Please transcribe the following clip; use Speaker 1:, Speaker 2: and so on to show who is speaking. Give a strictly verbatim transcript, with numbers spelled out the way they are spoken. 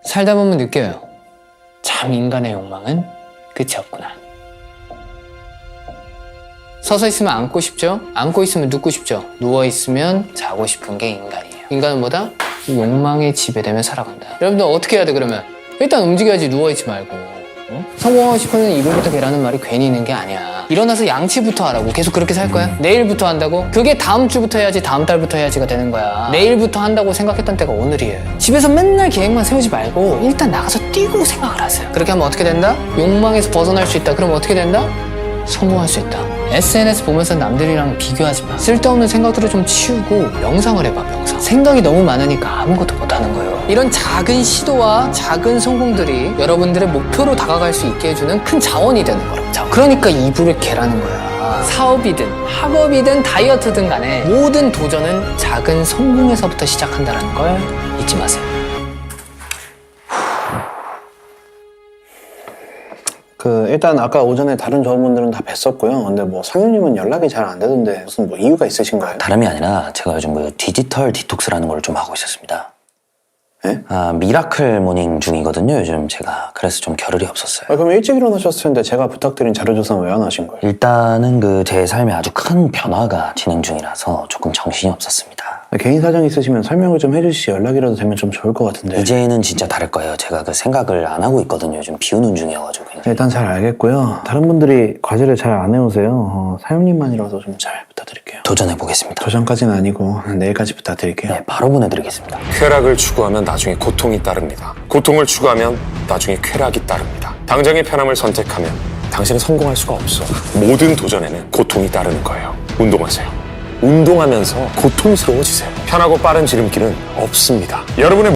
Speaker 1: 살다 보면 느껴요. 참 인간의 욕망은 끝이 없구나. 서서 있으면 앉고 싶죠? 앉고 있으면 눕고 싶죠? 누워있으면 자고 싶은 게 인간이에요. 인간은 뭐다? 욕망에 지배되며 살아간다. 여러분들 어떻게 해야 돼 그러면? 일단 움직여야지. 누워있지 말고. 어? 성공하고 싶으면 이불부터 개라는 말이 괜히 있는 게 아니야. 일어나서 양치부터 하라고. 계속 그렇게 살 거야? 내일부터 한다고? 그게 다음 주부터 해야지, 다음 달부터 해야지가 되는 거야. 내일부터 한다고 생각했던 때가 오늘이에요. 집에서 맨날 계획만 세우지 말고 일단 나가서 뛰고 생각을 하세요. 그렇게 하면 어떻게 된다? 욕망에서 벗어날 수 있다. 그럼 어떻게 된다? 성공할 수 있다. 에스엔에스 보면서 남들이랑 비교하지 마. 쓸데없는 생각들을 좀 치우고 명상을 해봐. 명상. 생각이 너무 많으니까 아무것도 못하는 거예요. 이런 작은 시도와 작은 성공들이 여러분들의 목표로 다가갈 수 있게 해주는 큰 자원이 되는 거라고. 자, 그러니까 이불을 개라는 거야. 사업이든 학업이든 다이어트든 간에 모든 도전은 작은 성공에서부터 시작한다는 걸 잊지 마세요.
Speaker 2: 그 일단 아까 오전에 다른 조합원들은 다 뵀었고요. 근데 뭐 상윤님은 연락이 잘 안 되던데 무슨 뭐 이유가 있으신가요?
Speaker 3: 다름이 아니라 제가 요즘 그 디지털 디톡스라는 걸 좀 하고 있었습니다.
Speaker 2: 예?
Speaker 3: 아, 미라클 모닝 중이거든요, 요즘 제가. 그래서 좀 겨를이 없었어요.
Speaker 2: 아, 그럼 일찍 일어나셨을 텐데 제가 부탁드린 자료조사는 왜 안 하신 거예요?
Speaker 3: 일단은 그 제 삶에 아주 큰 변화가 진행 중이라서 조금 정신이 없었습니다.
Speaker 2: 개인 사정 있으시면 설명을 좀 해주시지 연락이라도 되면 좀 좋을 것 같은데.
Speaker 3: 이제는 진짜 다를 거예요. 제가 그 생각을 안 하고 있거든요. 요즘 비우는 중이어가지고.
Speaker 2: 일단 잘 알겠고요. 다른 분들이 과제를 잘 안 해오세요. 어, 사장님만이라도 좀 잘 부탁드릴게요.
Speaker 3: 도전해보겠습니다.
Speaker 2: 도전까지는 아니고 내일까지 부탁드릴게요.
Speaker 3: 네, 바로 보내드리겠습니다.
Speaker 4: 쾌락을 추구하면 나중에 고통이 따릅니다. 고통을 추구하면 나중에 쾌락이 따릅니다. 당장의 편함을 선택하면 당신은 성공할 수가 없어. 모든 도전에는 고통이 따르는 거예요. 운동하세요. 운동하면서 고통스러워지세요. 편하고 빠른 지름길은 없습니다. 여러분의